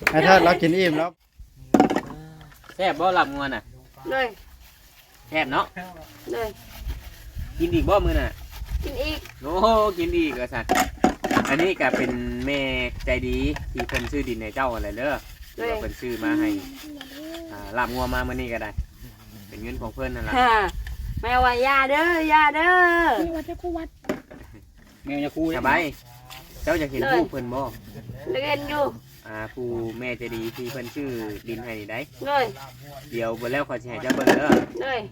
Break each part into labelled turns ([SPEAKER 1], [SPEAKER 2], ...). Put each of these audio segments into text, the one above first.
[SPEAKER 1] ไอ้เทิดเรากินอิ่มแล้ว
[SPEAKER 2] แซ่บบ่หลับงวนน่ะ
[SPEAKER 3] เลย
[SPEAKER 2] แซ่บเนาะ
[SPEAKER 3] เลย
[SPEAKER 2] กินอีกบ่มื้อน่ะ
[SPEAKER 3] กินอีก
[SPEAKER 2] โอ้กินอีกก็สั่นอันนี้ก็เป็นแม่ใจดีที่เพิ่นซื้อดินให้เจ้าอะไรเด้อที่ว่าเพิ่นซื้อมาให้ลาบงัวมามื้อนี้ก็ได้เป็นเงินของเพิ่นนั่นล่ะ
[SPEAKER 3] แม่ว่ายาเด้อยาเด้อ
[SPEAKER 4] นี่วัดจะคู่วัด
[SPEAKER 2] แม่จะคู่สบายเจ้าจะเห็นผู้เพิ่นบ่
[SPEAKER 3] เล่นอยู่
[SPEAKER 2] ผู้แม่ใจดีที่เพิ่นชื่อดินให้นี่ได้
[SPEAKER 3] เลย
[SPEAKER 2] เดี๋ยวเบิ่แล้วขอสิให้เจ้าเบิ่งเด้อ
[SPEAKER 3] เลย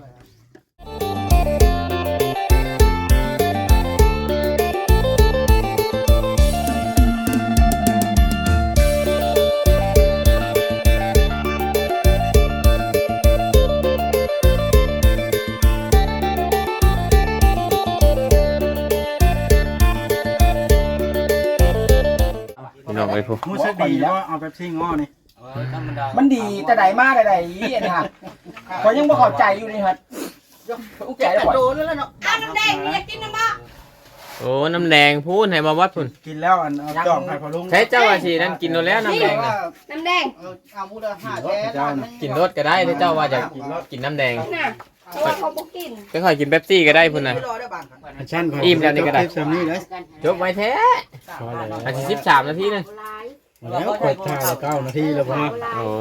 [SPEAKER 2] น้องไอ้ผู้
[SPEAKER 1] มู้สึกดีว่าเอาเป๊ปซี่ง้อนี่
[SPEAKER 5] มันดีแต่ใดมาแต่ใดอันนี้ฮะพอยังบ่เข้าใจอยู่นี่ฮะอุ้งใจแล้วโดนแล้วเนาะ
[SPEAKER 3] น้ำแดงอยากกินน้ำมะ
[SPEAKER 2] โอ้น้ำแดงพูนให้มาวัดพุ่น
[SPEAKER 1] กินแล้วอันเอาจอกให้พอลุง
[SPEAKER 2] ใช้เจ้าว่าสินั่นกินแล้วน้ำแดงน่ะ
[SPEAKER 3] น้ำแดง
[SPEAKER 5] เอามูลค่าแท้
[SPEAKER 2] กินรสก็ได้ถ้าเจ้าว่าจะกินน้ำแดง
[SPEAKER 3] น่ะเพราะว่าเขาบ่กิน
[SPEAKER 2] ก็ค่อยกินเป๊ปซี่ก็ได้พุ่นน่ะอิ่มแล้วนี่ก็ได้จบไว้แท้อันที่13นาทีนึง
[SPEAKER 1] แล้วกดถ่าย9 นาทีแล้วพ่อ
[SPEAKER 2] โอ้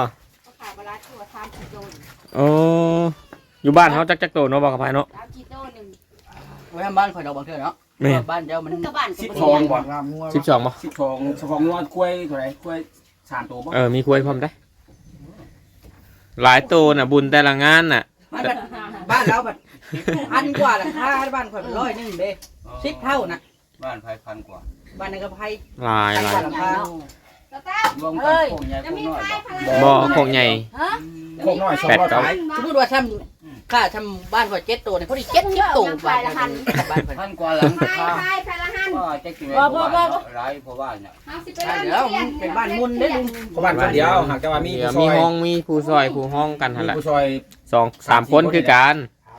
[SPEAKER 2] โอ้อยู่บ้านเขาจักโตเนาะบอกกับไผเนาะ
[SPEAKER 5] ไว้บ้านข่อยดอกบ่เทื่อเนาะบ้านเจ้ามัน
[SPEAKER 1] 12บ่
[SPEAKER 2] 12บ่
[SPEAKER 5] 12งวดกล้วยเท่าไหร่กล้วย3ตัวบ่
[SPEAKER 2] มีกล้วยพร้อมได้หลายตัวน่ะบุญแต่ละงานน่ะ
[SPEAKER 5] บ้านเราบัด1,000 กว่าราคาบ้านข่อยเป็น100นึงเด้10เท่าน่ะ
[SPEAKER 6] บ้านไผ1,000 กว่า
[SPEAKER 5] บ้านนั้นก็ไผ
[SPEAKER 2] หลาย
[SPEAKER 6] รวมกันโคงใหญ่โคงน้อย
[SPEAKER 2] บ่โคงใหญ่
[SPEAKER 5] โคงน้อย200สมมุติว่าทำค่าทำบ้านข่อย7ตัวนี่พอดี70ตัวบ้าน
[SPEAKER 6] 1,000 กว่าหลังค่าก็จะกินบ่หลายเพราะว่าเนี่ย
[SPEAKER 5] เดี๋ยวมันเป็นบ้านมุนเด้ลุง
[SPEAKER 1] บ้านคนเดียวหากแต่ว่ามี
[SPEAKER 2] ห้องมีผู้ซอยผู้ห้องกันหั่นแหละ
[SPEAKER 1] ผู้ซอย
[SPEAKER 2] 2-3คนคือกัน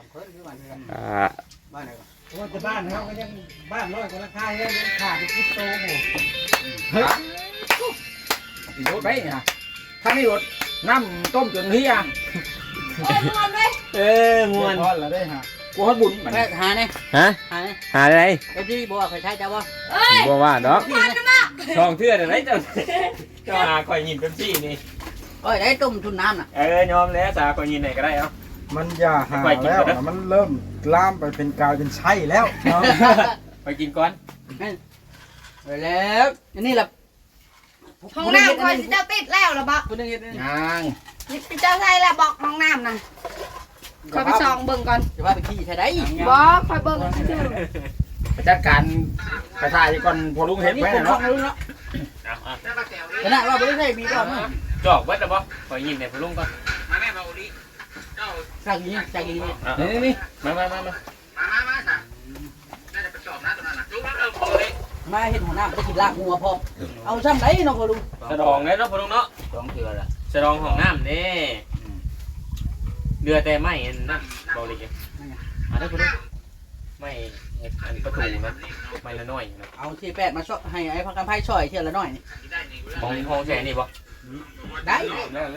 [SPEAKER 1] บ้านไหนว่าจะบ้านเขาก็ยังบ้าน100กว่าราคายังขาด10โตโหเฮ้ยรถไปเนี่ยถ้าไม่รถน้ำต้มจนเฮีย
[SPEAKER 2] ม่วน
[SPEAKER 1] พอแล้วได้ฮะกูฮอดบุญ
[SPEAKER 5] หาเนี่ย
[SPEAKER 2] หาอะไร
[SPEAKER 5] ไอ้ที่บอกว่าใครใช้จ้าว่า
[SPEAKER 2] บ่ว่าดอกช่องเทื่อได้เจ้าหาข่อยยินเป๊ปซี่นี่
[SPEAKER 5] ได้ต้มทุนน้ำน่ะ
[SPEAKER 2] ยอมแล้วสาข่อยยินไหนก็ได้เอ้า
[SPEAKER 1] มันอย่าหาแล้วมันเริ่มลามไปเป็นกาวเป็นไส้แล้ว
[SPEAKER 2] ไปกินก่อน
[SPEAKER 5] ไปแล้วนี่แหละ
[SPEAKER 3] ห้องน้ำคอยสิเจ้าติดแล้วหรอบ่
[SPEAKER 1] ยัง
[SPEAKER 3] นี่เจ้าใช่แล้วบอกห้องน้ำนะคอยไปส่องเบิ่งก่อน
[SPEAKER 5] จะว่าไปขี้ใช่ได้
[SPEAKER 3] บ่คอยเบิ่งชื่อ
[SPEAKER 1] จัดการกระชายก่อนพอลุงเห็นไหมเนาะ
[SPEAKER 5] ขนาดว่าไม่ได้มีก่อน
[SPEAKER 2] จอกเบิดแล้วบ่ขอยินให้พอลุงก่อน
[SPEAKER 6] มาแม่มาอุลิ
[SPEAKER 5] เจ้าสั่งยิงสั่งยิง
[SPEAKER 2] นี่มา
[SPEAKER 6] น่าจะไปจอบนะตรงนั้นน่ะดูแล้วพอเลย
[SPEAKER 5] มาเห็นหัวหน้าไปกินลาบงัวพอเอาซ้ำไหนเนาะพอลุง
[SPEAKER 2] สะดองเลยเนาะพอลุงเนาะ
[SPEAKER 6] 2เทื่อละ
[SPEAKER 2] สะดองของน้ำนี่เรือแต่ไม่นั่นบริกิได้คุณไม่อันประตูนะไม่ละน้อยนะ
[SPEAKER 5] เอาที่8มาช่วยให้ไอ้พักกันไพ่ช่วยเที่ยวละน้อยนี่
[SPEAKER 2] ของแฉนี่บ่
[SPEAKER 5] ได้
[SPEAKER 6] แล้ว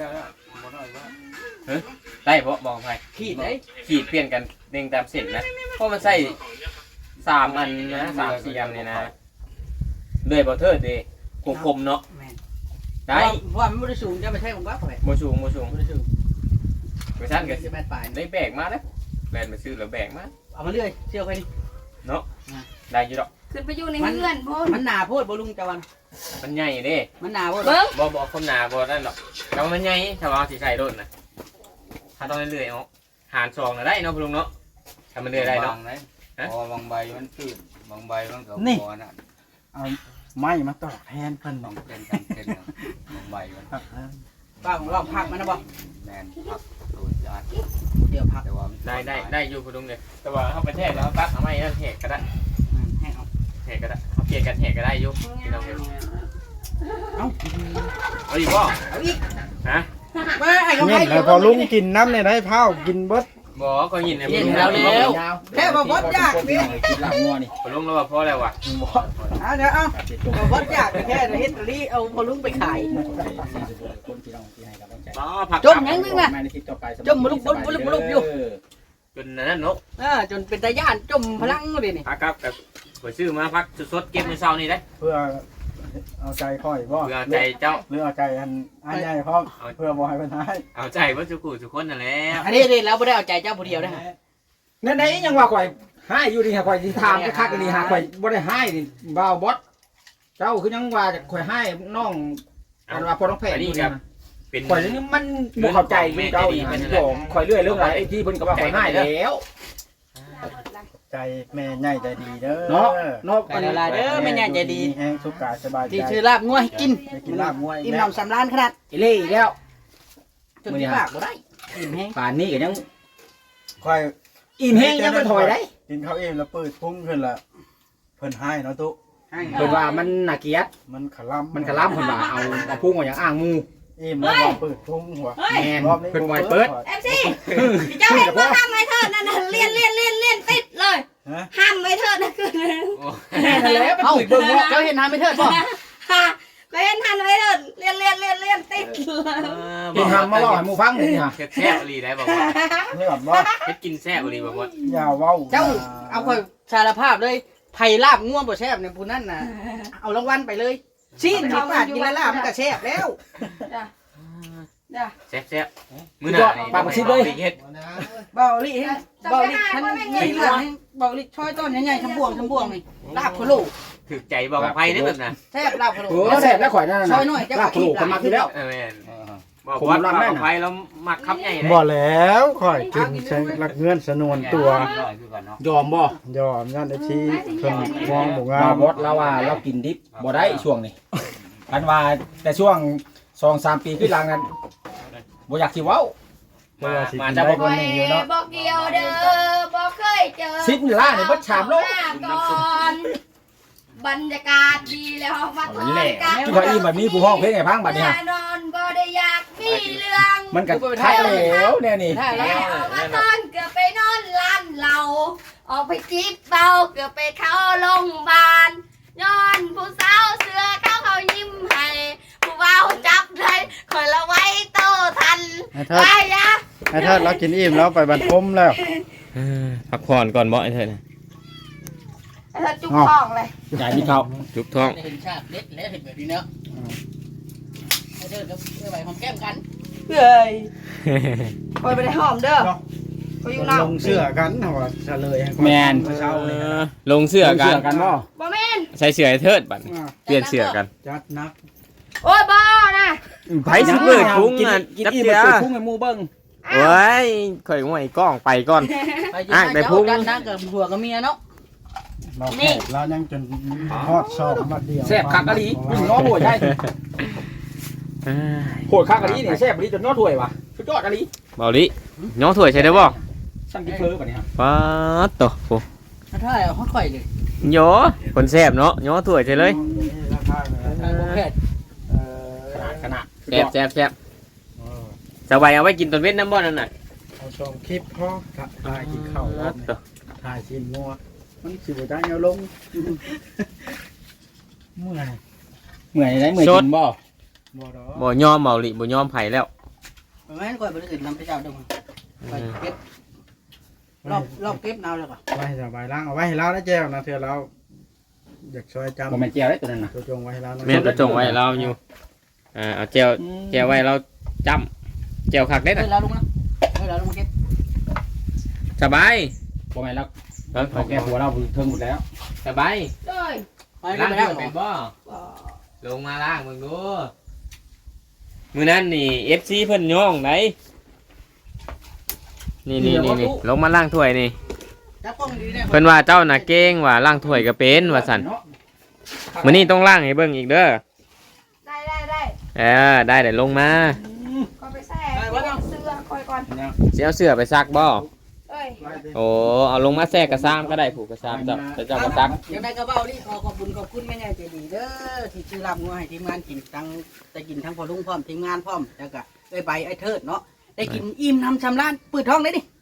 [SPEAKER 2] ได้บ่บอกไป
[SPEAKER 5] ขีดได้
[SPEAKER 2] ขีดเปลี่ยนกันเด้งตามเส้นนะเพราะมันใส่3 อันนะ3-4 อันนี่นะด้วยบอเทอร์ดีคมเนาะได้
[SPEAKER 5] เพราะมันไม่ได้สูงจะไม่ใช่ของบ้าเขา
[SPEAKER 2] โมสูงไม่ได้สูงไปชั้นกันได้แบกมาแล้วแบกมาซื้อแล้วแบกมา
[SPEAKER 5] เอามาเรื่อยเชี่ยวไปนี่
[SPEAKER 2] เนาะได้อยู่ดอก
[SPEAKER 3] ขึ้นไปอยู่ในเงื่อนพ่อ
[SPEAKER 5] มันหนาโพดบอลุงจวัน
[SPEAKER 2] มันใหญ่เด้
[SPEAKER 5] มันหนาโพด
[SPEAKER 2] บ่คนหนาบ่นั่นดอกแต่มันใหญ่ถ้าว่าสีใส่โดนนะถ้าต้องเรื่อยๆเอาหาร2น่ะได้เนาะพลุงเนาะถ้ามันเรื่อยได้เนาะ
[SPEAKER 6] พอบางใบมันตื้นบางใบมันก็พอน่ะ
[SPEAKER 1] เอาไม้มาตอกแทนเพิ่น
[SPEAKER 6] ต้องเป็นบางใบมัน
[SPEAKER 5] ป้าของเราพักมันนะบ่
[SPEAKER 6] แมนพักตูดยอด
[SPEAKER 5] เดี๋ยวพัก
[SPEAKER 6] แต่ว่า
[SPEAKER 2] ได้อยู่พลุงเลยแต่ว่าเขาไปแทกแล้วปั๊บเอาไม้นั่นแทกก็ได้แทกก็ได้เขาเปลี่ยนกันแทกก็ได้อยู่ที่เราเห็นเอาอีกบ่
[SPEAKER 5] เอาอีก
[SPEAKER 2] ฮะ
[SPEAKER 1] เนี่ยพอลุงกินน้ำในได้เผากินเบิด
[SPEAKER 2] บ่ก็ยินเนี่ย
[SPEAKER 5] แล้วแค่มาบดยากนี่
[SPEAKER 1] กินหลังงัวนี่
[SPEAKER 2] พอลุงแล้วว่าพอแล้วว่ะ
[SPEAKER 5] เอาเดี๋ยวเอาเราวัดยากแค่เฮ็ดรีเอาพอลุงไปขาย
[SPEAKER 1] คนที่น้องที่ให้กำลังใจ
[SPEAKER 2] อ๋อผัก
[SPEAKER 5] จมยังนึงน่ะ
[SPEAKER 1] มาในคลิปต่อไป
[SPEAKER 5] จมบ่ลุกอยู่
[SPEAKER 2] จนนั้นนก
[SPEAKER 5] จนเป็นตาย่านจมพลังเลยนี่
[SPEAKER 2] พักครับกับข่อยซื้อมาพักสดๆเก็บในเช้านี่ได้
[SPEAKER 4] เพื่อเอาใจค่อยบ่
[SPEAKER 2] เพื่อใจเจ้า
[SPEAKER 4] หรือเอาใจอันใหญ่พร้อมเพื่อบ่ให้เพิ่นหาย
[SPEAKER 2] เอาใจว่าสุขุสุคนนั่นแหละ
[SPEAKER 5] อันนี้เราไม่ได้เอาใจเจ้าผู้เดียวนะฮะ
[SPEAKER 1] นั่นไหนยังว่าข่อยให้อยู่นี่ฮะข่อยสิถามคักๆนี่ฮะข่อยบ่ได้ให้นี่บ่าวบอสเจ้าคือยังว่าข่อยให้น้องอันว่าพ่อน้องแพทย์นี่นะ
[SPEAKER 2] เป็น
[SPEAKER 1] ข่อยนี่มันบ่เข้าใจเจ้าอีกมันบอกข่อยเรื่อยเรื่องอะไรไอ้ที่เพิ่นก็ว่าข่อยให้แล้ว
[SPEAKER 4] ใจแม่ใหญ่ใจดีเด้อ
[SPEAKER 1] เนาะเนาะ
[SPEAKER 5] ไปละลายเด้อไม่ใหญ่ใจดี
[SPEAKER 4] แห้งสุขกายสบายใจ
[SPEAKER 5] ที่ชื่อลาบงัวให้กิน
[SPEAKER 4] ได้กินลาบมวย
[SPEAKER 5] อิ่มหนำสำราญขนาด
[SPEAKER 1] ไอ้เล่อีกแล้ว
[SPEAKER 5] จนที่ปากบ่ได้อิ่มแห้ง
[SPEAKER 1] ป่านนี้ก็ยัง
[SPEAKER 4] ค่อย
[SPEAKER 1] อิ่มแห้งยังบ่ถอยได้
[SPEAKER 4] กินข้าวเองแล้วปืดพุ่งขึ้นละเพิ่นให้เนาะตุ
[SPEAKER 1] เพิ่นว่ามันน่าเกลียด
[SPEAKER 4] มันขลํ
[SPEAKER 1] มันกะล้ำเพิ่นว่าเอาพุ่งเอาอย่างอ้างมู
[SPEAKER 4] อิ่มแล้วว่าปืดพุ่งหัว
[SPEAKER 1] แม่นเพิ่นไว้เปิด
[SPEAKER 3] เอฟซีเจ้าเห็นว่าห้ามไว้เถิดนั่นน่ะเลียนติดเลย
[SPEAKER 4] ฮะ
[SPEAKER 3] ห้ามไว้เถิดนะคือ
[SPEAKER 1] แม่นแล้วไป
[SPEAKER 5] เอ้า
[SPEAKER 1] คุยเบิ่งว่า
[SPEAKER 5] เจ้าเห็นทางไม่เทิดป่ะ
[SPEAKER 3] ฮะก็เห็นทันไว้เถิดเลียนติดเลย
[SPEAKER 1] เห็นทำมาเล่าให้หมู่ฟังนี่ฮะ
[SPEAKER 2] แซ่บๆลีได้บอกว่า
[SPEAKER 4] นี่แบบบ่
[SPEAKER 2] เฮ็ดกินแซ่บลีบอกว่า
[SPEAKER 4] อย่าเว้า
[SPEAKER 5] เจ้าเอาคอยสารภาพเลยไผ่ลาบง่วงบ่แซ่บเนี่ยผู้นั่นน่ะเอารางวัลไปเลยซีนที่ปาดกินแล้วลาบมันก็แซ่บแล้ว
[SPEAKER 2] แซ่บๆมื้อหน้านี่เฮ็ด
[SPEAKER 5] เบาลิเบาลิท่านนี่เหลืองเบาลิช่อยต้นใหญ่ๆทำบ่วงนี่ลาบพะโล้
[SPEAKER 2] ถึกใจบอกกับไผได้แบบน่ะ
[SPEAKER 5] แซ่บลาบพะโล้
[SPEAKER 1] โอ้แซ่บแล้วข่อยนั่น
[SPEAKER 5] ช่
[SPEAKER 1] น่ะ
[SPEAKER 5] อยหน่อยเจ้า
[SPEAKER 1] ลาบกระโหลกคนมักอยู่แล้ว
[SPEAKER 2] แม่นบอกว่ากับไผแล้วมักคับใหญ่ได้
[SPEAKER 4] บ่แล้วค่อยกินใช้หลักเงื่อนสนวนตัว
[SPEAKER 1] ยอมบ่
[SPEAKER 4] ยอมยันไอ้ที่เพิ่นมองบ่งา
[SPEAKER 1] บ่าม บดเราว่าเรากินดิบบ่ได้ช่วงนี้อันว่าแต่ช่วง 2-3 ปีขึ้นหลังนั้นบ่อยากสิเว้า
[SPEAKER 2] มาจะบอก
[SPEAKER 3] บ่เกี่ยวเด้อบ่เคยเจอ
[SPEAKER 1] ซิปนี่ล่านี่เบิดชามโล
[SPEAKER 3] ก่อนบรรยากาศดีแล้วมาทอนกัน
[SPEAKER 1] ที่พออีแบบนี้ผู้ห้องเพลงให้พังบัดนี้ฮะ
[SPEAKER 3] นอนบ่ได้อยากมีเรื่อง
[SPEAKER 1] มันก็ทักแล้วเนี่ยนี่
[SPEAKER 5] ได้
[SPEAKER 3] แล้
[SPEAKER 5] แล้ว
[SPEAKER 3] วมาตอนเกือบไปนอนร้านเราออกไปจีบเบาเกือบไปเข้าโรงพยาบาลย้อนผู้สาวเสือเขายิ้มให้ผู้เบาจับได้คอยละไว้โตทัน
[SPEAKER 4] ไอ้เทิด
[SPEAKER 3] ไปยะ
[SPEAKER 4] ไอ้เทิดเรากินอิ่มแล้วไปบรรทมแล้ว
[SPEAKER 2] พักผ่อนก่อนบ่ไอ้เถิด
[SPEAKER 3] เธอจุกท้องเลย
[SPEAKER 1] ใหญ่มีเขา
[SPEAKER 2] จุกท้อง
[SPEAKER 5] เห็นชาติเด็ดแล้วเห็นแบบนี้เนาะให้เด้อเดี๋ยวไปหอมแก้มกัน
[SPEAKER 3] เฮ้ยคอยไปได้หอมเด้อคอยอยู่นอก
[SPEAKER 4] ลงเสื้อกันเอาว่าเฉลยให้ค่อย
[SPEAKER 1] แมน
[SPEAKER 4] เมื่อเช้านี่
[SPEAKER 2] ลงเสื้อกัน
[SPEAKER 1] กันบ่
[SPEAKER 3] บ่แม่น
[SPEAKER 2] ใส่เสื้อไอ้เทิดบัดเปลี่ยนเสื้อกัน
[SPEAKER 4] จัดนัก
[SPEAKER 3] โอ้ยบ่นะ
[SPEAKER 2] ไผสิเปิดพุง
[SPEAKER 1] กิน
[SPEAKER 2] อ่ะ
[SPEAKER 1] กิน
[SPEAKER 2] จับ
[SPEAKER 1] อี
[SPEAKER 2] เสี
[SPEAKER 1] เบิ
[SPEAKER 2] ย
[SPEAKER 1] ดเปิดพุ่งให้หมู่เบิ่ง
[SPEAKER 2] โอ้ยข่อยง่วยกล้องไปก่อน อ่ะแต่พุง
[SPEAKER 5] กันนะกับผัวกับเมียเนาะ
[SPEAKER 4] เราแขกเรายังจนทอดซอกมาเดียว
[SPEAKER 1] แซ่บคักกะลีนี่ง้อบ่ใหญ่โหดคักกะลีนี่แซ่บกะลีจนง้อถ้วยวะสุดยอดกะลี
[SPEAKER 2] เบาลิน้องถ้วยใช่ได้บ่
[SPEAKER 1] สั่งกินเพ้อบัดนี้ฮะ
[SPEAKER 2] ป๊าดโตโห
[SPEAKER 5] ถ้าเอาค่อยๆเลย
[SPEAKER 2] โยคนแซ่บเนาะย้อถ้วยใช่เลย
[SPEAKER 4] ราคาเลย
[SPEAKER 5] โอเค
[SPEAKER 1] ขนาด
[SPEAKER 2] แซ่บแซ่บแซ่บสบายเอาไว้กินตอนเว้นน้ำบ่นั่นน่ะ
[SPEAKER 4] เอาชมคลิปพ่อถ่ายกินข้าวรอบ
[SPEAKER 2] โต
[SPEAKER 4] ถ่ายชิ้นงัวมันสิบ่ได้เอาลงเมื่อย
[SPEAKER 1] เหนื่อยได้เหนื่อยกินบ่
[SPEAKER 4] บ่ดอก
[SPEAKER 2] บ่ยอมเบาลิบ่ยอมไผแล้ว
[SPEAKER 5] แม่นค่อยไปอื่นนำไปเจ้าเด้อไปเก็บรอบเก็บเอาแล้วก็
[SPEAKER 4] ไว้ให้สบายล้างเอาไว้ให้เราได้แจ้วนะเถื่อเราอยากช่วยจำ
[SPEAKER 1] บ่แม่นแจ่วได้ตัวนั้นน่ะ
[SPEAKER 4] ตัวจงไว้ให้เรานะ
[SPEAKER 2] แม่นกระจงไว้เราอยู่เอาแจวแจวไว้เราจำแจวคักได้
[SPEAKER 5] เฮ้
[SPEAKER 2] น่ะ
[SPEAKER 5] ยเราลุงนะเฮ้ยเราลุงมาเก็บ
[SPEAKER 2] สบาย
[SPEAKER 1] บ่แม่นแล้วเขาแก้หัวเราเทิงหมดแล้ว
[SPEAKER 2] สบาย
[SPEAKER 3] เลย
[SPEAKER 5] ไปก็ไปได้
[SPEAKER 2] ถ้วยเป็นบ่
[SPEAKER 3] บ่
[SPEAKER 2] ลงมาล่างมึงดูมื้อนั้นนี่ FC เพิ่นย่องไหนนี่ลงมาล่างถ้วยนี่
[SPEAKER 5] จับกล้องดีเนี่ย
[SPEAKER 2] เพิ่นว่าเจ้าน่ะเก่งว่าล่างถ้วยก็เป็นว่าซั่นมื้อนี้ต้องล่างให้เบิ่งอีกเด้อ
[SPEAKER 3] ได้
[SPEAKER 2] ได้เดี๋ยวลงมา
[SPEAKER 3] ก็ไปแซ่เสื้อคอยก่อน
[SPEAKER 2] สิเอาเสื้อไปซักบ่
[SPEAKER 3] เอ้ย
[SPEAKER 2] โอ้เอาลงมาแทรกกระซ้ำก็ได้ผูกกระซ้ำเจ้าแต่เจ้าก็ซัก
[SPEAKER 5] ยังได้กระเป๋านี่ขอบคุณแม่ใหญ่ใจดีเด้อที่ซื้อลาบงัวให้ทีมงานกินทั้งได้กินทั้งพอลุงพร้อมทีมงานพร้อมแล้วก็ได้ใบไอ้เทิดเนาะได้กินอิ่มน้ำชำร้านปืดท้องเลยดิ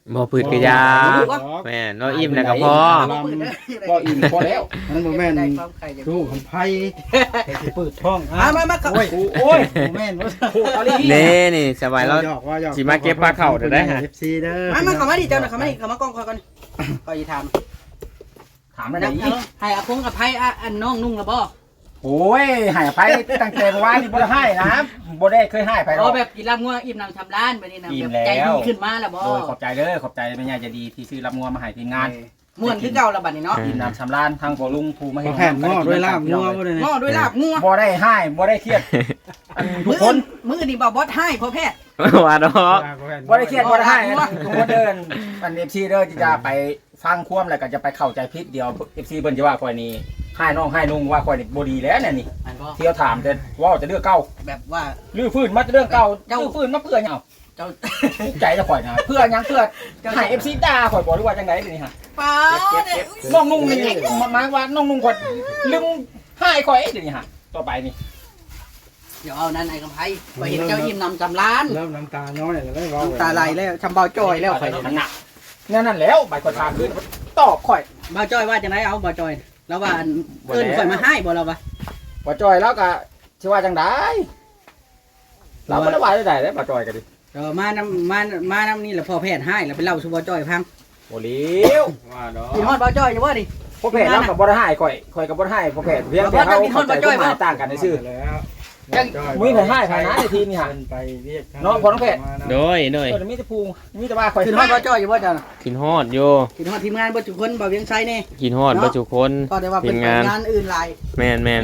[SPEAKER 2] บ่พืชกระยาแม่นเราอิ่มแล้วก็พอ
[SPEAKER 1] ก็อิ่มพอแล้ว
[SPEAKER 4] นั่นบ่แม่น
[SPEAKER 5] ได้ความไข่จะ
[SPEAKER 4] ตู้ของไผ่สิเปิดท้อง
[SPEAKER 5] มา
[SPEAKER 4] โอ้ยโอ้ยบ่แม่นบ่
[SPEAKER 1] โคตรลี
[SPEAKER 2] นี่สบายแล้ว
[SPEAKER 4] หยอกว่าหยอก
[SPEAKER 2] สิมาเก็บปลาเข่าได้ฮะ
[SPEAKER 4] FC เด้อ
[SPEAKER 5] มาเข้ามาดิเจ้าน่ะเข้ามาดิเข้ามากล้องคอยก่อนคอยถาม
[SPEAKER 1] ถามอะไรอีก
[SPEAKER 5] ให้อาคงกับไผอันน้องนุ่งละบ่
[SPEAKER 1] โอ้ยให้ไปตั้งแต่เมื่อวานนี่บ่ได้ให้นะบ่ได้เคยให้ไปหร
[SPEAKER 5] อ๋
[SPEAKER 1] อ
[SPEAKER 5] อก แบบกินลาบงัวอิ่มน้ำชำร้านไปนี่นะ
[SPEAKER 1] อิ่
[SPEAKER 5] แบ
[SPEAKER 1] ม
[SPEAKER 5] บ
[SPEAKER 1] แล้ว
[SPEAKER 5] ใจดีขึ้นมาแล้วบ่
[SPEAKER 1] โดยขอบใจเด้อขอบใจแม่ยายใจะดีที่ซื้อรับงัวมาให้ทีมงาน
[SPEAKER 5] ม่วนคือเก่าละบัดนี้เนาะ
[SPEAKER 1] กินน้ำชำรานทางบ่ลุงภูมา
[SPEAKER 4] ข
[SPEAKER 1] ให้
[SPEAKER 4] อแผ่นง้อด้วยลาบงัวบ่ได้
[SPEAKER 5] ง้อด้วยลาบงัว
[SPEAKER 1] บ่ได้ให้บ่ได้เครียดทุกคน
[SPEAKER 5] มื้อนี่บ่บอสให้พ่อแพทย์
[SPEAKER 2] ว่าดอก
[SPEAKER 1] บ่ได้เครียดบ่ได้ให้ทุกคนเดินอัน FC เด้อที่จะไปฟังความแล้วก็จะไปเข้าใจผิดเดียว FC เพิ่นจะว่าข่อยนี่ให้น้องให้ลุงว่าข่อยนี่บ่ดีแล้วเนี่ยนี่
[SPEAKER 5] อันบ่
[SPEAKER 1] เที่ยวถามแต่ว่าจะเลือกเก่า
[SPEAKER 5] แบบว่า
[SPEAKER 1] ลื้อฟื้นมาเรื่องเก่าลื้อฟื้นมาเพื่อหยังเอา
[SPEAKER 5] เจ้า
[SPEAKER 1] ทุกใจจะข่อยนะเพื่อหยังเพื่อให้ FC ด่าข่อยบ่รู้ว่าจังได๋นี่ฮะ
[SPEAKER 5] ป้าเนี่ย
[SPEAKER 1] น้องนุ่งนี่มาว่าน้องนุ่งข่อยลืมให้ข่อยเดี๋ยวนี้ฮะต่อไปนี่
[SPEAKER 5] เดี๋ยวเอานั่นไอ้กำไพไปเห็นเจ้าอิ่มน้ำจำร้าน
[SPEAKER 4] เริ่มน้ำตาน้อยแล้วได้เว้า
[SPEAKER 5] น้ำตาไหลแล้วชำเบาจ้อยแล้วข่อย
[SPEAKER 1] มันหนักนั่นแล้วใบข่อยถามขึ้นตอบข่อย
[SPEAKER 5] เบาจ้อยว่าจังไดเอาเบาจ้อยแล้วว่าเอิ้นข่อยมาให้บ่เราวะ
[SPEAKER 1] บ่จอยแล้วก็สิว่าจังได๋เราบ่ได้ว่าได้บ่จอยก็ดิ
[SPEAKER 5] มาน้ำนี่แหละพ่อแพทย์ให้แล้วไปเล่าสู่เบาจ้อยฟัง
[SPEAKER 1] บ่เลี้ยว
[SPEAKER 2] ว่าดอก
[SPEAKER 5] กินฮอดเบาจ้อยอยู่บ่ดิ
[SPEAKER 1] พ่อแพทย์เราก็บ่ได้ให้ข่อยก็บ่ได้ให้พ่อแพทย์เพียงแต่เฮาเข้าใจความหมายต่างกันซื่อ
[SPEAKER 4] แล้ว
[SPEAKER 1] มีไผให้ไผนะในทีมนี่ฮะ
[SPEAKER 4] ไปเรียก
[SPEAKER 1] น้องพอน้องเพชร
[SPEAKER 2] โดย
[SPEAKER 1] มีแต่ภูมีแต่ว่าข่อย
[SPEAKER 5] กินฮอดเบาจ้อยอยู่บ่จ้ะ
[SPEAKER 2] กินฮอดอยู่
[SPEAKER 5] กินฮอดทีมงานบ่ทุกคนบ่เวียงไสนี่
[SPEAKER 2] กินฮอดบ่ทุกคน
[SPEAKER 5] ก็ได้ว่าเป็น
[SPEAKER 2] ทีมงาน
[SPEAKER 5] งานอื่นหลาย
[SPEAKER 2] แม่น นี่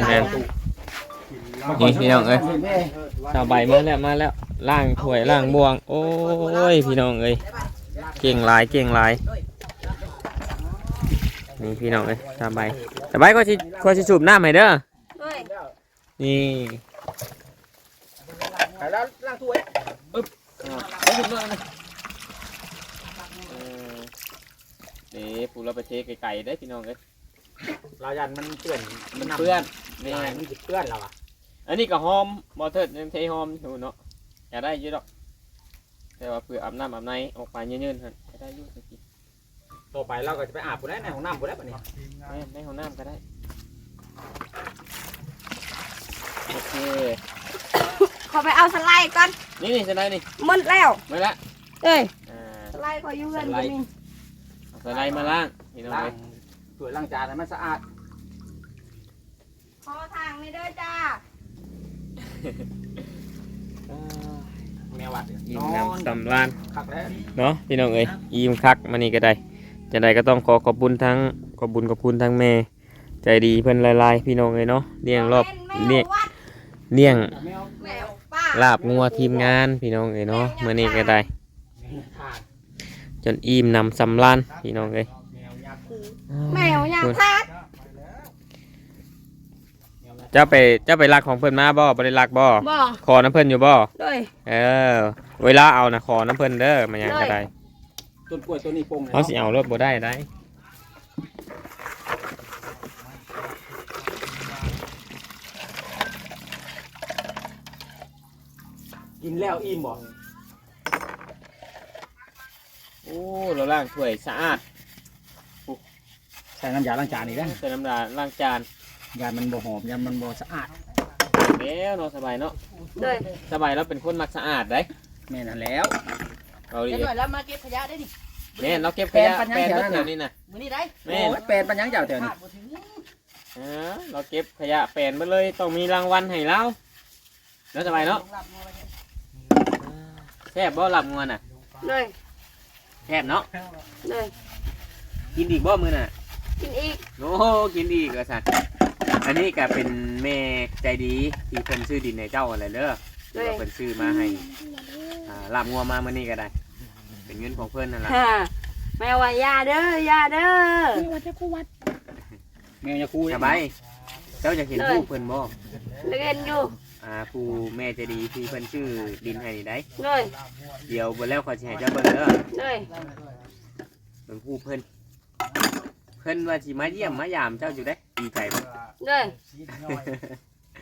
[SPEAKER 2] พี่น้องเอ้ย ชาวใบมาแล้วล่างถ้วยล่างบวง โอ้ยพี่น้องเอ้ยเก่งหลายนี่พี่น้องเอ้ยชาวใบก็สิสูบน้ำให้เด้อ
[SPEAKER 3] ด้วย
[SPEAKER 2] นี่
[SPEAKER 1] แล้วล้างถ้วย
[SPEAKER 2] นี่ปูเราไปเทไก่ได้พี่น้องเอ้ย
[SPEAKER 1] เรายันมันเปื้อน
[SPEAKER 2] มันเปื้อน
[SPEAKER 1] นี่
[SPEAKER 2] นี่
[SPEAKER 1] มันสิเปื้อนเราอ่ะ
[SPEAKER 2] อันนี้ก็หอมบอเทิร์ดยังเทหอมอยู่เนาะอย่าได้เยอะดอกแต่ว่าเพื่ออาบน้ำอาบในออกไปเยืนๆฮะจะได้อยุ่งสิ
[SPEAKER 1] ต่อไปเราก็จะไปอาบผู้ได้ในห้องน้ำผู้ได้ปะนี่
[SPEAKER 2] ในห้องน้ำก็ได้โอเค
[SPEAKER 3] ขอไปเอาสไลด์ก่อน
[SPEAKER 2] นี่จะได้นี่
[SPEAKER 3] หมดแล้ว
[SPEAKER 2] ไม่ละ
[SPEAKER 3] เอ้ย
[SPEAKER 2] อ่า
[SPEAKER 3] สไลด์ขออยู่เงินก็มี
[SPEAKER 2] เอาสไลด์มาล่างพี่น้อง
[SPEAKER 1] ล้าง
[SPEAKER 2] เลย
[SPEAKER 1] ถ้วยล้างจานให้มันสะอาด
[SPEAKER 3] ขอทางในเด้อจ้า
[SPEAKER 1] แมววัด
[SPEAKER 2] ยิ้มน้ำสำราญ
[SPEAKER 1] คักแล้ว
[SPEAKER 2] เนาะพี่น้องเอ้ยยิ้มคักมานี่ก็ได้จะได้ก็ต้องขอบคุณทั้งขอบคุณทั้งแม่ใจดีเพิ่นหลายๆพี่น้องเอ้ยเนาะเลี้ยงรอบ
[SPEAKER 3] แม
[SPEAKER 2] เลี้ยง
[SPEAKER 3] ววัด
[SPEAKER 1] แมว
[SPEAKER 3] แมวป้า
[SPEAKER 2] ลาบงัวทีมงานพี่น้องเอ้ยเนาะมื้อนี้ก็ได้
[SPEAKER 1] ขาด
[SPEAKER 2] จนอิ่มน้ำสำราญพี่น้องเอ้ย
[SPEAKER 1] แมวยาคู
[SPEAKER 3] แมวอยากทัก
[SPEAKER 2] เจ้าไปรักของเพิ่นมาบ่ได้รักบ่
[SPEAKER 3] บ่
[SPEAKER 2] ขอน้ำเพิ่นอยู่บ่
[SPEAKER 3] ด้วย
[SPEAKER 2] เออเวลาเอานะขอน้ำเพิ่นเด้อมันหยังก็ได้
[SPEAKER 1] ต้นกล้วยต้นนี้ปง
[SPEAKER 2] เขาสิเอารถบ่ได้ได้
[SPEAKER 1] กินแล้วอิ่มบ่
[SPEAKER 2] โอ้เราล้างถ้วยสะอาด
[SPEAKER 1] ใส่น้ำยาล้างจานอีกแล้ว
[SPEAKER 2] ใส่น้ำลาล้างจาน
[SPEAKER 1] ยามันบ่หอมยามันบ่สะอาด
[SPEAKER 2] แล้วเนาะสบายเนาะ
[SPEAKER 3] ด้วย
[SPEAKER 2] สบายแล้วเป็นคนมักสะอาดได้
[SPEAKER 1] แม่นั่นแล้ว
[SPEAKER 2] เอาดิ
[SPEAKER 5] เดี๋ยวหน่อยแล้วมาเก็บขยะได้ดิ
[SPEAKER 2] แม่นเราเก็บขยะ
[SPEAKER 1] แป
[SPEAKER 2] แป
[SPEAKER 1] ล
[SPEAKER 2] ล
[SPEAKER 1] น
[SPEAKER 2] น
[SPEAKER 1] ปัญญา
[SPEAKER 2] เดี๋ยวนี้นะ
[SPEAKER 5] มื้อนี้ได้
[SPEAKER 2] แม่น
[SPEAKER 1] โอ้ยเป็นปัญญังเจ้าแถวนี้
[SPEAKER 5] ขาดบ่ถึง
[SPEAKER 2] เราเก็บขยะแปลนมาเลยต้องมีรางวัลให้เราเนาะสบายเนาะแซ่บบ่หลับงัวน่ะ
[SPEAKER 3] ด้วย
[SPEAKER 2] แซ่บเนาะ
[SPEAKER 3] ด้วย
[SPEAKER 2] กินอีกบ่มื้อน่ะ
[SPEAKER 3] กินอีก
[SPEAKER 2] โอ้กินอีกว่าซั่นอันนี้ก็เป็นแม่ใจดีที่เพิ่นซื้อดินให้เจ้าอะไรเด้อที่ว่าเพิ่นซื้อมาให้ลาบงัวมามื้อนี้ก็ได้ เป็นเงินของเพิ่นนั่นล่ะ
[SPEAKER 3] ฮ่าแมวว่ายาเด้อยาเด้อ
[SPEAKER 1] แมวยาคู
[SPEAKER 2] สบายเจ้าจะเห็นผู้เพิ่นบ่
[SPEAKER 3] เล่นอยู่
[SPEAKER 2] ผู้แม่ใจดีที่เพิ่นชื่อดินให้นี่ได้
[SPEAKER 3] ด้วย
[SPEAKER 2] เดี๋ยวเบิ่แล้วขอยสิให้เจ้าเบิ่งเด้อ
[SPEAKER 3] ด้วย
[SPEAKER 2] เบิ่งผู้เพิ่นเพิ่นว่าสิมาเยี่ยมมายามเจ้าอยู่ได้ดีใจบ่
[SPEAKER 3] ด้วย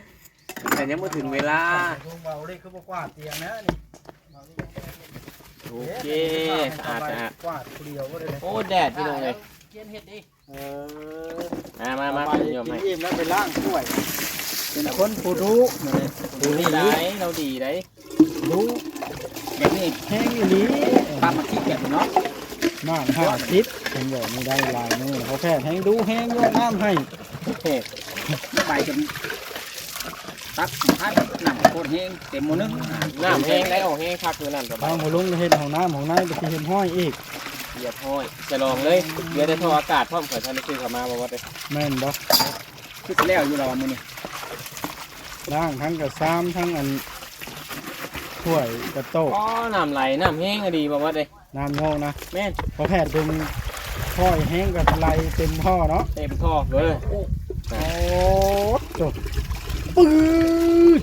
[SPEAKER 2] แต่ยังบ่ถึงเวลา
[SPEAKER 4] เบาเลยคือบ่กว่าเตียงนะนี่
[SPEAKER 2] โอเคสะอาด
[SPEAKER 4] กวาดผู้เดียวก็ได้เลย
[SPEAKER 2] โอ้แดดพี่น้องเลย
[SPEAKER 6] เกียนเฮ็ดดิ
[SPEAKER 2] มา
[SPEAKER 4] ไป
[SPEAKER 2] โยม
[SPEAKER 4] กิ
[SPEAKER 2] ให้
[SPEAKER 4] นอิ่มแล้วไปล้างถ้วย เป็นคนผู้รู้เลย
[SPEAKER 2] ดูดีได้เราดีได้
[SPEAKER 4] รู้แบบนี้แห้งอีหลี
[SPEAKER 1] ปลามาขี้เกียจเนาะ
[SPEAKER 4] บ้าน50ผมบอกไม่ได้ลายมือเขาแพทย์แห้งดูแห้งโยนน้ำให้
[SPEAKER 1] ใบจนตักท้ายหนังโคตรแห้งเต็มหมดนึง
[SPEAKER 2] น้ำแห้งได้ออกแห้งคักคือนั่นสบา
[SPEAKER 4] ทาย งหัวลุงเห็นของน้ำของนายไปที่เห็นห้อยอีก
[SPEAKER 2] เหยียบห้อยจะลองเลยเดี๋ยวได้ท่ออากาศพร้อมขอท่านได้ซื้อเข้ามาบอกว่าได้
[SPEAKER 4] แม่นบ่
[SPEAKER 1] คือจะแล้วอยู่เรามื้อนี้
[SPEAKER 4] ล้างทั้งกระซ้ำทั้งอันถ้วยกระโต๊ะ
[SPEAKER 2] อ๋อน้ำไหลน้ำแห้งก็ดีบอกว่าได้
[SPEAKER 4] น้ำโง่นะ
[SPEAKER 2] แม่น
[SPEAKER 4] พอแพทย์ดึงห้อยแห้งกับไหลเต็มท่อเนาะ
[SPEAKER 2] เต็มท่อเลย
[SPEAKER 4] โอ้จบปื๊ด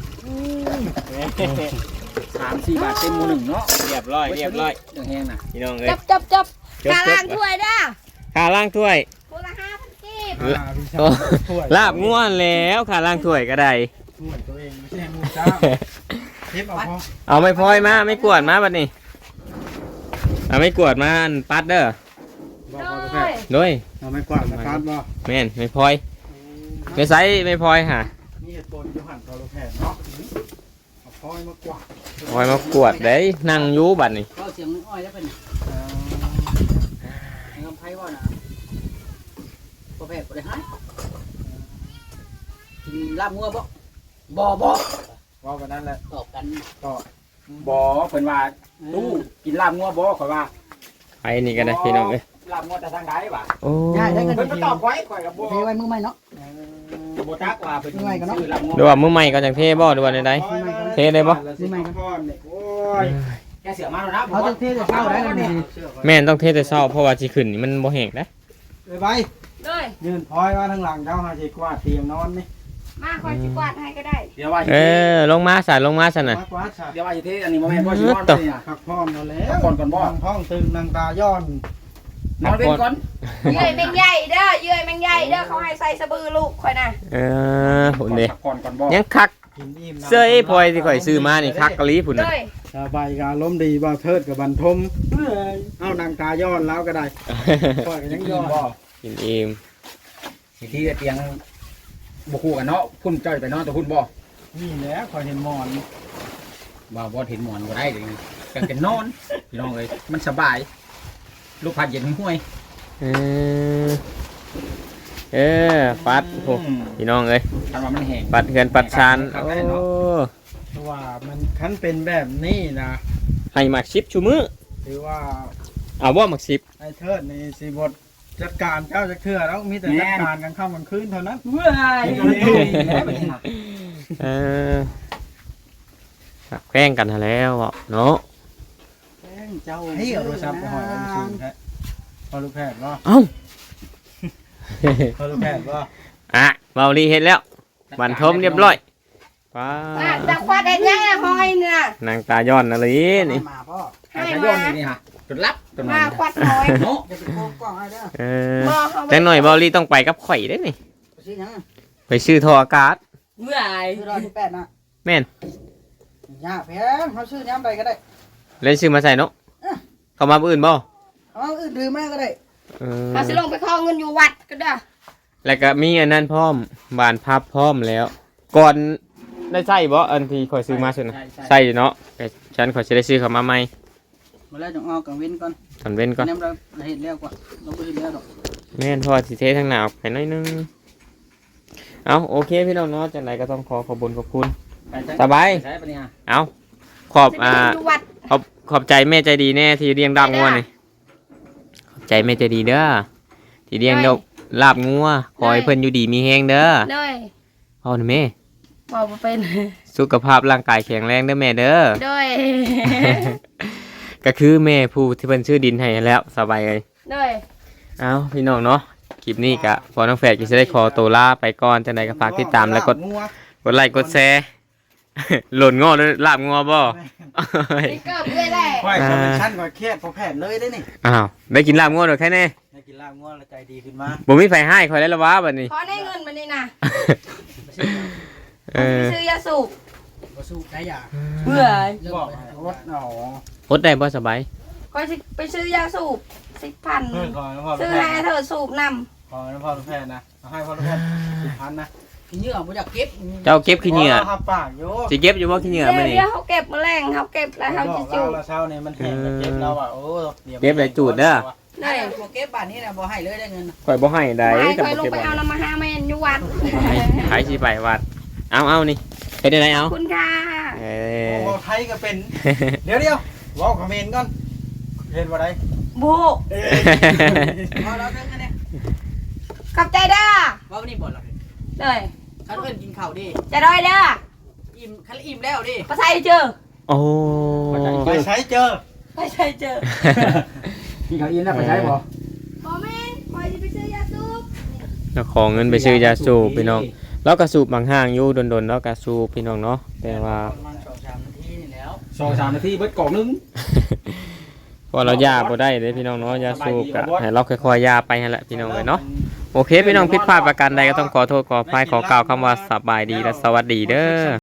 [SPEAKER 1] 3-4 บาทเต็มหมดนึงเนาะ
[SPEAKER 2] เรียบร้อยเรียบร้อย
[SPEAKER 1] จังแห้งน่ะ
[SPEAKER 2] พี่น้องเลย
[SPEAKER 3] จับกาล้างถ้วยเด้อ
[SPEAKER 2] ขาล่างถ้วย
[SPEAKER 3] คนละ5,000กีบ
[SPEAKER 4] พี่ชา
[SPEAKER 2] โอ้
[SPEAKER 4] ถ้วย
[SPEAKER 2] ลาบง่วนแล้วขาล่างถ้วยก็ได้
[SPEAKER 4] ถ้วยตัวเองไม่ใช่หมูจ้าเทปเอาพอ
[SPEAKER 2] เอาไม่พลอยมาไม่กวดมาบัดนี้เอาไม่กวดมาอันปัดเด้อ
[SPEAKER 4] บอกเอาไปแพ
[SPEAKER 3] ด้ว
[SPEAKER 4] ท
[SPEAKER 3] ย
[SPEAKER 4] ย์
[SPEAKER 2] โดย
[SPEAKER 4] เอาไม่กวาดมาฟาดบ่
[SPEAKER 2] แม่นไม่พลอยไม่ใส่ไม่พลอยค่ะ
[SPEAKER 4] นี่เหตุผลอยู่หันตัวแพทย์เนาะเอาพอยมากวาด
[SPEAKER 2] พลอยมากวดได้นั่งอยู่บัดนี้
[SPEAKER 6] ก็เสียงอ้อยแล้วเป็นให้คำไพ่ว่าน่ะบ่แพ้บ่ได้หายกินลาบงัวบ่บ่
[SPEAKER 4] ว่ากันนั่นแหละ
[SPEAKER 6] ตอบกัน
[SPEAKER 1] บ่เพิ่นว่าตู้กินลาบงัวบ่ข่อยว่า
[SPEAKER 2] ไปนี่ก็ได้พี่น้องเอ้ย
[SPEAKER 1] ลาบงัวแต่ทางใดวะ
[SPEAKER 2] โอ้
[SPEAKER 1] เพิ่นก็ตอบไว้ข่อยก็บ่
[SPEAKER 6] เทไว้มือใหม่เนาะ
[SPEAKER 1] บ่จักว่าเพิ่นชื่อลาบงัว
[SPEAKER 2] ดูว่ามือใหม่ก็จังเทบ่ดูว่าใด เทได้บ่
[SPEAKER 4] นี่ไม่ก็พอนเนี่ยโอ้ย
[SPEAKER 1] แกเสียมาแล้วนะ
[SPEAKER 6] เขาต้องเทจะเศร้าได้แล้วนี่
[SPEAKER 2] ๆแม่นต้องเทแต่เช้าเพราะว่าสิขึ้นนี่มันบ่แห้งนะ
[SPEAKER 4] ไป
[SPEAKER 3] ด้วย
[SPEAKER 4] ยืนพอยว่าทางหลังเจ้าหาสิกวาดเตียงนอนนี่
[SPEAKER 3] มาคอยสิกวาดให้ก็ได้
[SPEAKER 1] เดี๋ยวว่า
[SPEAKER 2] เออลงมาสั่นลงมาสั่นน่ะ
[SPEAKER 4] มากวาดซะ
[SPEAKER 1] เดี๋ยวว่าสิเทอันนี้บ่แม่นบ่สินอนเลยน่ะ
[SPEAKER 4] พักพร้อมแล้วแล้ว
[SPEAKER 1] พักผ่อนก่อนบ่
[SPEAKER 4] นั่งท้องตึงนางตาย้อน
[SPEAKER 1] นอนเว้นก่อน
[SPEAKER 3] เยื่อยแมงใหญ่เด้อเยื่อยแมงใหญ่เด้อเขาให้ใส่สะบือลูกคอยนะ
[SPEAKER 2] เออพุ่นเด้
[SPEAKER 1] พักผ่อนก่อนบ่
[SPEAKER 2] ยังคัก
[SPEAKER 4] กินอิ่ม
[SPEAKER 2] เสื้อไอ้พลอยที่ข่อยซื้อมานี่คักกะลีพุ่นน่ะ
[SPEAKER 3] ด้วย
[SPEAKER 4] สบายกาล้มณ์ดีบ่าวเทิดกับบันทมเอานางตาย้อนแล้วก็ได้ปล่อยกันยังย้อน
[SPEAKER 1] บ่
[SPEAKER 2] กินเอง
[SPEAKER 1] สิที่เตียงบ่คู่กันเนาะพุ่นจ้อยไปนอนแต่พุ่นบ่
[SPEAKER 4] นี่แหละคอยเห็นหมอน
[SPEAKER 1] บ่เห็นหมอนบ่ได้เด้กันเป็นนอนพี่น้องเอ้ยมันสบาย ลูกพัดเย็นห้วย
[SPEAKER 2] เออเออปัดโอ้พี่น้องเอ้ย
[SPEAKER 1] คันว่ามันแห้ง
[SPEAKER 2] ปัดเฮือนปัดชานโอ้
[SPEAKER 4] เพราะว่ามันคันเป็นแบบนี้นะ
[SPEAKER 2] ให้มักชิปชูมือ
[SPEAKER 4] ถือว่า
[SPEAKER 2] เอาบ่มักชิป
[SPEAKER 4] ไอ้เทิดนี่สิบทจัดการเจ้าจะเทื่อแล้วมีแต่จัดการกันค่ำกลางคืนเท่านั้น
[SPEAKER 3] เว้ย
[SPEAKER 2] เออแกล้งกันแล้วเนาะ
[SPEAKER 4] เจ้าให้เอาโทรศัพท์ไปหอยอันสูงแท้พอลูกแพทย์ว่า
[SPEAKER 2] เอ้า
[SPEAKER 4] พอลูกแพทย์ว่า
[SPEAKER 2] อ่ะเบาลีเห็นแล้วบันทมเรียบร้อยป้า
[SPEAKER 3] น่ะจะควัดได้ยังอะหอยเนี่ย
[SPEAKER 2] นางตาย้อนอะไรนี่
[SPEAKER 6] มาพ่อ
[SPEAKER 1] ไอ้ย้อนนี่ฮะจนรับจน
[SPEAKER 3] มาควัดหอย
[SPEAKER 1] เนาะ
[SPEAKER 6] จะเป็นโค้งกล้องให้เด้อ
[SPEAKER 2] เออ
[SPEAKER 3] บ่เขา
[SPEAKER 2] จังหน่อยเบาลีต้องไปกับข่อยได้นี่
[SPEAKER 6] สิหยัง
[SPEAKER 2] ไปซื้อท่ออากาศ
[SPEAKER 3] เมื่อย
[SPEAKER 6] คือ118นะ
[SPEAKER 2] แม่น
[SPEAKER 6] ยากแพงเขาซื้อย้ำไปก็ได้
[SPEAKER 2] เล่นซื้อมาใส่เนาะเข้ามาผู้อื่นบ่
[SPEAKER 6] เอาอื่นดื่มมาก็ได้
[SPEAKER 2] เออ
[SPEAKER 3] เขาสิลงไปขอเงินอยู่วัดก็เด้อ
[SPEAKER 2] แล้วก็มีอันนั้นพร้อมบานพับพร้อมแล้ว ก่อนได้ใส่บ่อันที่ข่อยซื้อมาสุดนะใส่อยู่เนาะแต่ฉันข่อยสิได้ซื้อเข้ามาใหม่
[SPEAKER 6] มาแล้วจะออกกังเว้นก่อน
[SPEAKER 2] ตอนเว้นก่อน
[SPEAKER 6] น้ำเราเห็นแล้วกว่าเราไม่เห็นแล้วหรอก
[SPEAKER 2] แม่นเพอสิเททางหน้าออกไปหน่อยนึงเอาโอเคพี่น้องเนาะจังไดก็ต้องขอบคุญขอบคุณ สบาย
[SPEAKER 1] ใช่ปะเนี่ย
[SPEAKER 2] เอาขอบ
[SPEAKER 3] สิไปอยู่วัด
[SPEAKER 2] ขอบใจแม่ใจดีแน่ที่เลี้ยงดาบงัวนี่ขอบใจแม่ใจดีเด้อที่เลี้ยงดอกลาบงัวขอให้เพิ่นอยู่ดีมีแฮงเด้อ
[SPEAKER 3] เลย
[SPEAKER 2] เอาหน่อยแม่
[SPEAKER 3] บอกบ่เป็น
[SPEAKER 2] สุขภาพร่างกายแข็งแรงเด้อแม่เด้อ
[SPEAKER 3] ด้วย
[SPEAKER 2] ก็คือแม่ผู้ที่เพิ่นชื่อดินให้แล้วสบายเลย
[SPEAKER 3] ด้วย
[SPEAKER 2] เอาพี่น้องเนาะคลิปนี้ก็พอน้องแฝดก็จะได้ขอตัวลาไปก่อนจังไดก็ฝากติดตามแล้วกดไลค์กดแชร์ หล่นงอด้วยลาบงัวบ่
[SPEAKER 3] นี่ก็เพื่อได้
[SPEAKER 4] ค่อยเขาเป็นชั้นกว่าเครียดพอแพทย์เลยได้นี่
[SPEAKER 2] อ้าวได้กินลาบงัวดอกแค่แน่
[SPEAKER 4] ได้กินลาบง่วงแล้วใจดีขึ้นมา
[SPEAKER 2] บ่มีไฟให้คอยได้ละวะบัดนี้
[SPEAKER 3] ขอได้เงินมานี่นะ
[SPEAKER 2] เออ
[SPEAKER 3] ไปซื้อยาสูบ
[SPEAKER 6] บ่สู้ได้ยาก
[SPEAKER 3] เบื่อ
[SPEAKER 4] บอกรถเอา
[SPEAKER 2] อดได้บ่สบาย
[SPEAKER 3] ไก็สิไปซื้อยาสูบ10,000
[SPEAKER 4] เพิ่นขอน้ำพ่อ
[SPEAKER 3] ซื้อ
[SPEAKER 4] แพ
[SPEAKER 3] ให้
[SPEAKER 4] ทย์
[SPEAKER 3] เธอสูบน
[SPEAKER 4] ขอน้ำพ่อแพทย์นะเอาให้พ่อแพทย์10,000นะ
[SPEAKER 5] ขี้เหงื่อบ่อยากเก็บ
[SPEAKER 2] เจ้าเก็บขี้เหงื่อ
[SPEAKER 4] ครับปากโย
[SPEAKER 2] สิเก็บอยู่บ่ขี้เหงื่อมื้อนี้
[SPEAKER 3] เดี๋ยวเขาเก็บแมลงเขาเก็บแล้วเขาจะจูบ
[SPEAKER 4] เราเช้านี่มันแห้งเก็บเราอ่ะโอ้ดี๋ยว
[SPEAKER 2] เก็บได้จูดเด้อ
[SPEAKER 3] ได้
[SPEAKER 5] บ่เก็บบ้านนี้น่ะบ่ให้เลยได้เงิน
[SPEAKER 2] ข่อยบ่ให้ได้
[SPEAKER 3] ไป
[SPEAKER 2] แต่
[SPEAKER 3] คอย
[SPEAKER 2] บ่
[SPEAKER 3] ลง
[SPEAKER 2] เก็บ
[SPEAKER 3] ไป
[SPEAKER 2] ไว้
[SPEAKER 3] เอาน้ำมาหาแม่นอยู่วัด
[SPEAKER 2] ขายสิไปวัดเอานี่เฮ็ดได้ไหน
[SPEAKER 3] ข
[SPEAKER 2] เอา
[SPEAKER 3] อบคุณค่ะ
[SPEAKER 2] เอ
[SPEAKER 4] โอ้
[SPEAKER 2] อ
[SPEAKER 4] โหไทยก็เป็น เดี๋ยวเว้าคอมเมนต์ก่อนเห็นบ่ได้
[SPEAKER 3] บู
[SPEAKER 5] เอาแล้วกันเนี่ย
[SPEAKER 3] ขอบใจเด้อ
[SPEAKER 5] ว่าวันนี้บ่ล่ะ
[SPEAKER 3] เลย
[SPEAKER 5] คันเพิ่นกินข้าวดิ
[SPEAKER 3] จะด้อยเด้อ
[SPEAKER 5] อิ่มคันอิ่มแล้วดิ
[SPEAKER 3] ภาษาเจอ
[SPEAKER 2] โอ้
[SPEAKER 4] ไปใช้เจอ
[SPEAKER 3] ภาษาเจอ
[SPEAKER 1] กินข้าวอิ่มแล้วไปใช้บ่
[SPEAKER 3] บอแม่นคอยจะไปซื้อยาสูบ
[SPEAKER 2] แล้วขอเงินไปซื้อยาสูบพี่น้องแล้วก็สูบบางห้างอยู่ดนๆแล้วก็สูบพี่น้องเนาะแต่ว่า
[SPEAKER 5] ประมาณ2-3นาทีนี่แล้ว
[SPEAKER 1] 2-3 นาทีเบิดกล่องนึง
[SPEAKER 2] พอเรายาบ่ได้เด้พี่น้องเนาะยาสูบก็ให้เราค่อยๆยาไปนั่นแหละพี่น้องเลยเนาะโอเคพี่น้องผิดพลาดประการใดก็ต้องขอโทษขออภัยขอกล่าวคำว่าสบายดีและสวัสดีเด้อ